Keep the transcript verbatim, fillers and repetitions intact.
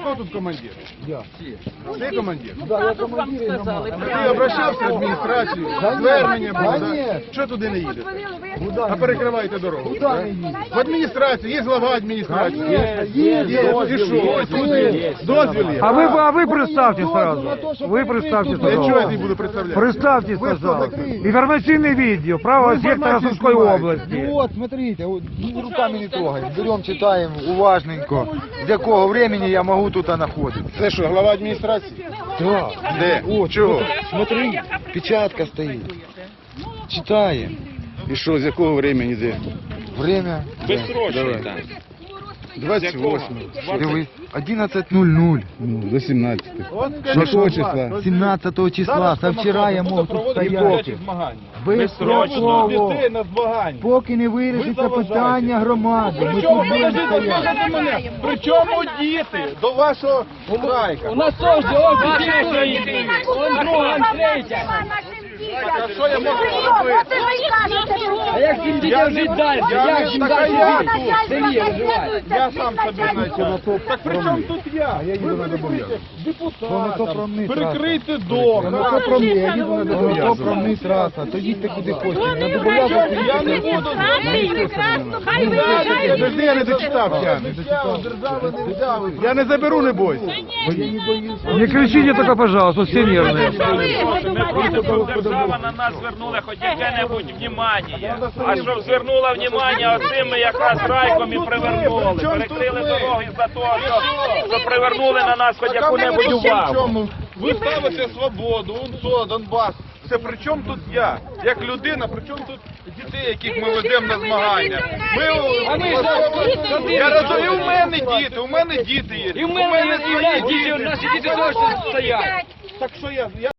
Хто тут командир? Я. Ти командир? Да, я командир і громади. Ти обращався в адміністрацію, звернення було, Да да? ні. Що туди не їдете? Куди А не перекриваєте дорогу. Куди да? не їдете? В адміністрацію, є глава адміністрації. Конечно, Є, есть, є, дозвіл і що? є. Ось тут є. Дозвіл є. А вы, а вы У мене представьте є сразу. дозвіл на те, щоб Вы представьте перекрити Для чого я сразу. тобі буду представляти? Представьте, Ви хто пожалуйста. такий? Информационный видео правого Ну, сектора информацию Сумской снимаете. области. Ну от, смотрите, от, ну, руками не трогаємо. Беремо, читаємо уважненько, з якого времени я можу тут знаходитися. Це що, глава адміністрації? Да. Де? От, Чого? смотри, печатка стоїть. Читаємо. І що, з якого времени де? Время. Давай. двадцять восьмого. Дивись, одинадцять нуль нуль. Ну, до сімнадцятого. Якого числа? сімнадцятого числа, со вчора я можу тут стояти. Безстроково. на змагання. Поки не вирішиться питання громади. Ми тут будемо стояти. Причому діти до вашого страйка? У нас теж ось дітей стоїть. Он друга, он третя. А що я можу зробити? А як цим дітям жити далі? Я Як їм не далі така жити? я В селі виживати. Я сам собі знайду. Так при чому тут я? я їду на Добов'язок. То не то про мене Перекрийте траса. дорогу. То не то про мене, я їду на Добов'язок. То про мене траса, то їдьте куди хочете. На Добов'язок Я не їдьте. буду. Подожди, я не дочитав, я не Я не заберу, не бойся. Не кричите только, пожалуйста, все нервные. Ми просимо, щоб держава на нас звернула хоч яке-небудь внімання. А щоб звернула внімання, оцим ми якраз райком і привернули. Перекрили дороги за того, що, що привернули на нас хоч яку-небудь увагу. Ви ставите свободу, УНСО, Донбас. Це при чому тут я? Як людина, при чому тут дітей, яких ми ведемо на змагання? Ми, я розумію, у мене діти, у мене діти є. І в мене є свої діти, наші діти теж стоять. Так що я, я